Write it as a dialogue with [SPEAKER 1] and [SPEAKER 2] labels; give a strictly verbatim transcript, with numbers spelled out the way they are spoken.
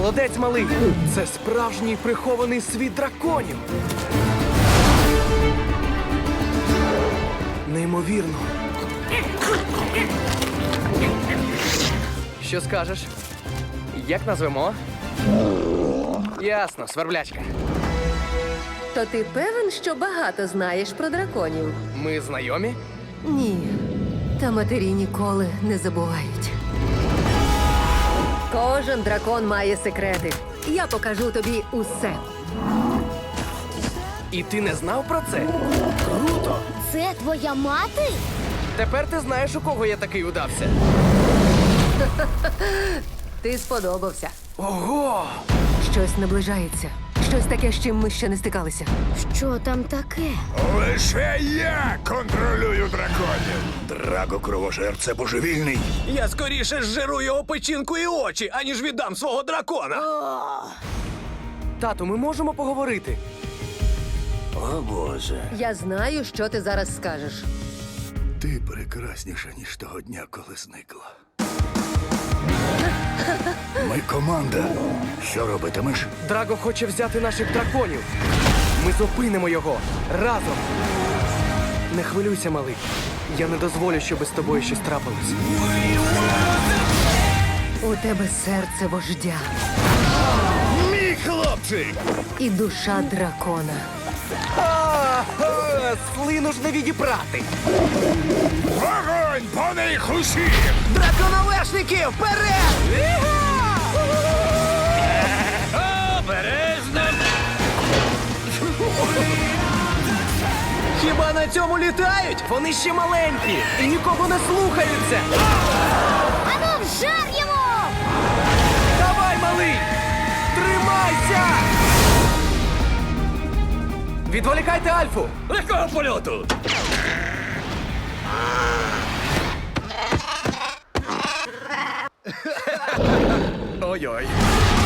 [SPEAKER 1] Молодець, малий! Це справжній прихований світ драконів! Неймовірно! Що скажеш? Як назвемо? Ясно, сверблячка.
[SPEAKER 2] То ти певен, що багато знаєш про драконів?
[SPEAKER 1] Ми знайомі?
[SPEAKER 2] Ні. Та матері ніколи не забувають. Кожен дракон має секрети. Я покажу тобі усе.
[SPEAKER 1] І ти не знав про це? Круто!
[SPEAKER 3] Це твоя мати?
[SPEAKER 1] Тепер ти знаєш, у кого я такий удався.
[SPEAKER 2] Ти сподобався.
[SPEAKER 1] Ого!
[SPEAKER 2] Щось наближається. Щось таке, з чим ми ще не стикалися.
[SPEAKER 3] Що там таке?
[SPEAKER 4] Лише я контролюю драконів. Драго Кровожер – це божевільний.
[SPEAKER 5] Я скоріше зжиру його печінку і очі, аніж віддам свого дракона.
[SPEAKER 1] Тату, ми можемо поговорити?
[SPEAKER 4] О, Боже.
[SPEAKER 2] Я знаю, що ти зараз скажеш.
[SPEAKER 4] Ти прекрасніша, ніж того дня, коли зникла. Ми команда. Що робитимеш?
[SPEAKER 1] Драго хоче взяти наших драконів. Ми зупинимо його разом. Не хвилюйся, малий. Я не дозволю, щоб з тобою щось трапилось.
[SPEAKER 2] У тебе серце вождя
[SPEAKER 4] Мій хлопчик!
[SPEAKER 2] і душа дракона.
[SPEAKER 1] А, а, слину ж не відібрати.
[SPEAKER 4] Вогонь по них усіх!
[SPEAKER 5] Драконовешники, вперед! Обережно! Хіба на цьому літають?
[SPEAKER 1] Вони ще маленькі і нікого не слухаються.
[SPEAKER 3] Ану, вжар йому!
[SPEAKER 1] Давай, малий! Тримайся! Відволікайте Альфу!
[SPEAKER 5] Легкого польоту!
[SPEAKER 1] Ой-ой.